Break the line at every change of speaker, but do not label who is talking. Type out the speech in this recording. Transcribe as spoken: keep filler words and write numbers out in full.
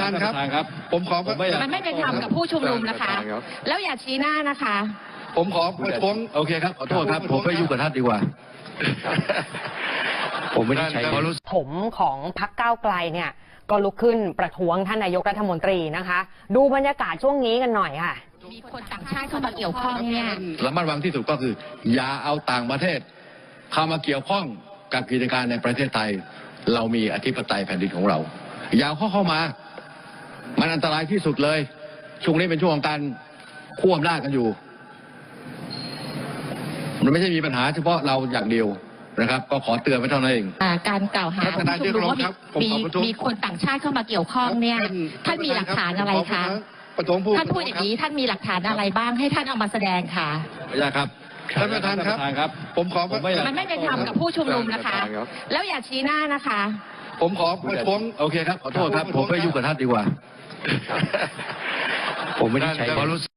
านครับผมขอ
มันไม่เป็นธรรมกับผู้ชุมนุมนะคะแล้วอย่าชี้หน้านะคะ
ผมขอประท้วง
โอเคครับขอโทษครับผมไม่ยุ่งกับท่านดีกว่าผมไม่ได้ใช้
ผมของพรรคก้าวไกลเนี่ยก็ลุกขึ้นประท้วงท่านนายกรัฐมนตรีนะคะดูบรรยากาศช่วงนี้กันหน่อยค่ะ
มีคนต่างชาติเข้ามาเกี่ยวข้องเนี่ย
ระมัดระวังที่สุดก็คืออย่าเอาต่างประเทศเข้ามาเกี่ยวข้องกับกิจการในประเทศไทยเรามีอธิปไตยแผ่นดินของเราอย่าเข้าเข้ามามันอันตรายที่สุดเลยช่วงนี้เป็นช่วงของการควบอำนาจกันอยู่มันไม่ใช่มีปัญหาเฉพาะเราอย่างเดียวนะครับก็ขอเตือนไว้เท่านั้นเอง
การกล่าวหาผู้ชุมนุมว่ามีมีคนต่างชาติเข้ามาเกี่ยวข้องเนี่ยท่านมีหลักฐานอะไรคะท่านพูดอย่างนี้ท่านมีหลักฐานอะไรบ้างให้ท่านเอามาแสดงค่ะ
ไม่ใช่ครับ
ท่านประธานครับผมขอ
มันไม่เป็นธรรมกับผู้ชุมนุมนะคะแล้วอย่าชี้หน้านะคะ
ผมขอประท้วง
โอเคครับขอโทษครับผมไม่ยุ่งกับท่านดีกว่าผมไม่ได้ใช้